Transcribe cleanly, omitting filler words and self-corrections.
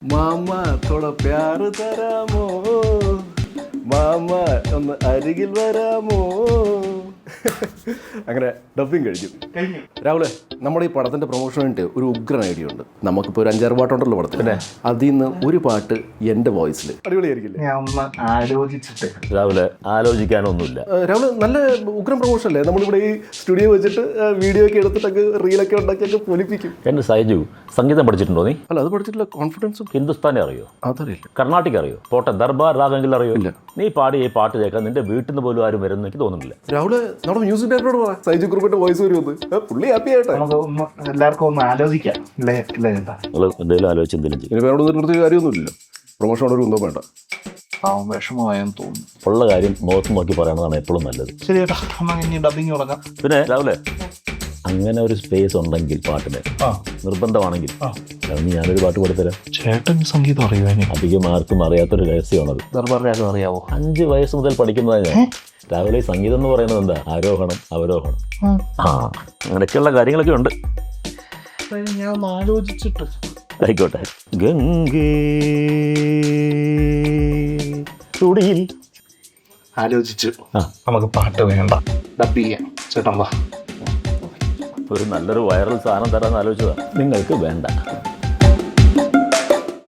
Mama തോട പ്യാറ് തരാമോ, mama ഒന്ന് അരികിൽ വരാമോ. അങ്ങനെ ഡബിങ് കഴിഞ്ഞു. രാഹുലെ, നമ്മുടെ ഈ പടത്തിന്റെ പ്രൊമോഷന് വേണ്ടി ഒരു ഉഗ്രൻ ഐഡിയ ഉണ്ട്. നമുക്കിപ്പോൾ ഒരു 5-6 പാട്ടുണ്ടല്ലോ പടത്തിന്. അതിൽ നിന്ന് ഒരു പാട്ട് എന്റെ വോയിസിൽ അടിപൊളിയായിരിക്കില്ലേ? ഞാൻ ഒന്ന് ആലോചിച്ചിട്ട്. രാവിലെ ആലോചിക്കാനൊന്നുമില്ല. രാഹുല്, നല്ല ഉഗ്രം പ്രൊമോഷൻ അല്ലേ? നമ്മളിവിടെ ഈ സ്റ്റുഡിയോ വെച്ചിട്ട് വീഡിയോ ഒക്കെ എടുത്തിട്ടൊക്കെ റീലൊക്കെ ഉണ്ടാക്കിയൊക്കെ പൊലിപ്പിക്കും. എന്റെ സൈജു, സംഗീതം പഠിച്ചിട്ടുണ്ടോ നീ? അല്ല, അത് പഠിച്ചിട്ടില്ല. കോൺഫിഡൻസും. ഹിന്ദുസ്ഥാനി അറിയോ? അതറിയില്ല. കർണാട്ടിക് അറിയോ? പോട്ടെ, ദർബാർ രാഗെങ്കിലും അറിയോ? നീ പാടി ഈ പാട്ട് കേൾക്കാൻ നിന്റെ വീട്ടിൽ നിന്ന് പോലും ആരും വരുമെന്ന് എനിക്ക് തോന്നുന്നില്ല. രാഹുല്, നമ്മുടെ മ്യൂസിക് ഡയറക്ടറോട് പറ സൈജു കുറുപ്പിന്റെ വോയിസ് വരുമെന്ന്. പുള്ളി ഹാപ്പി ആയിട്ടെ. നമുക്ക് എല്ലാവർക്കും ഒന്ന് ആലോചിക്കാം. നിങ്ങൾ എന്തെങ്കിലും ആലോചിച്ച് എന്തെങ്കിലും ചെയ്യും. ഇനി വേറെ നിർത്തിയ കാര്യമൊന്നുമില്ലല്ലോ. പ്രൊമോഷൻ ഒരു ഒന്നും വേണ്ട. വിഷമമായെന്ന് തോന്നുന്നു. ഉള്ള കാര്യം മുഖത്ത് നോക്കി പറയണതാണ് എപ്പോഴും നല്ലത്. ശരി ചേട്ടാ, നമുക്ക് ഇനി ഡബിങ് തുടങ്ങാം. പിന്നെ രാവിലെ അങ്ങനെ ഒരു സ്പേസ് ഉണ്ടെങ്കിൽ പാട്ടിന് നിർബന്ധമാണെങ്കിൽ ഞാനൊരു പാട്ട് കൊടുത്തരാം. ചേട്ടൻ സംഗീതം അറിയുവാൻ അധികം ആർക്കും അറിയാത്തൊരു രഹസ്യമാണത്. ദർബാർ രാഗം അറിയാവോ? 5 വയസ്സ് മുതൽ പഠിക്കുന്നതാണ് ഞാൻ. രാവിലെ സംഗീതം എന്ന് പറയുന്നത് എന്താ? ആരോഹണം അവരോഹണം. അങ്ങനെയൊക്കെയുള്ള കാര്യങ്ങളൊക്കെ ഉണ്ട്. ഞാൻ ഒന്ന് ആലോചിച്ചിട്ട്. ആയിക്കോട്ടെ. ഗംഗേ തുടിയിൽ ആലോചിച്ചു. നമുക്ക് പാട്ട് വേണ്ട, ഡബ് ചെയ്യാം. ചേട്ടൻ വാ. ഒരു നല്ലൊരു വൈറൽ സാധനം തരാമെന്ന് ആലോചിച്ചതാണ്. നിങ്ങൾക്ക് വേണ്ട.